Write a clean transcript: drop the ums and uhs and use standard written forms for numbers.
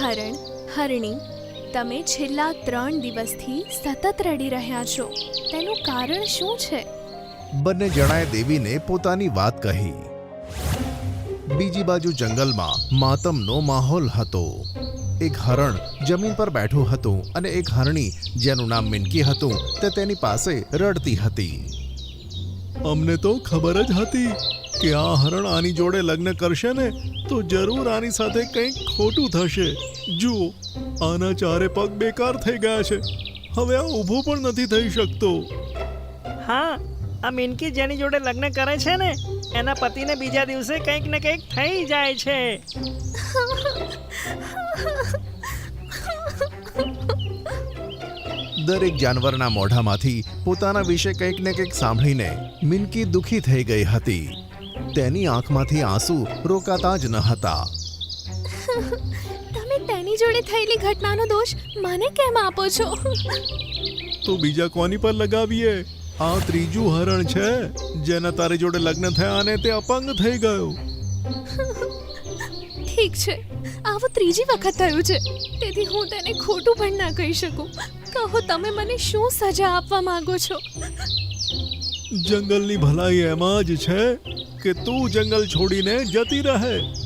હરણ, હરણી, તમે છેલ્લા 3 દિવસથી સતત રડી રહ્યા છો. તેનું કારણ શું છે? બંને જણાએ દેવીને પોતાની વાત કહી. બીજી બાજુ જંગલમાં માતમનો માહોલ હતો. એક હરણ જમીન પર બેઠું હતું અને એક હરણી જેનું નામ મિનકી હતું તે તેની પાસે રડતી હતી. અમને તો ખબર જ હતી કે આ હરણ આની જોડે લગ્ન કરશે ને તો જરૂર આની સાથે કંઈક ખોટું થશે. જુઓ, આના ચારે પગ બેકાર થઈ ગયા છે. હવે આ ઊભો પણ નથી થઈ શકતો. હા, આ મિનકી જેની જોડે લગ્ન કરે છે ને એના પતિને બીજા દિવસે કંઈક ને કંઈક થઈ જાય છે. દરેક જાનવરના મોઢામાંથી પોતાના વિશે કંઈક ને કંઈક સાંભળીને મિનકી દુખી થઈ ગઈ હતી. તેની આંખમાંથી આંસુ રોકાતા જ ન હતા. તમે તેની જોડે થયેલી ઘટનાનો દોષ મને કેમ આપો છો? તો બીજા કોની પર લગાવીએ? આ ત્રીજું હરણ છે જેના તારી જોડે લગ્ન થયા અને તે અપંગ થઈ ગયો. ઠીક છે, આવું 3જી વખત થયું છે, તેથી હું તેને ખોટું પણ ના કહી શકું. કહો, તમે મને શું સજા આપવા માંગો છો? જંગલની ભલાઈ એમાં જ છે કે તું જંગલ છોડીને જતી રહે.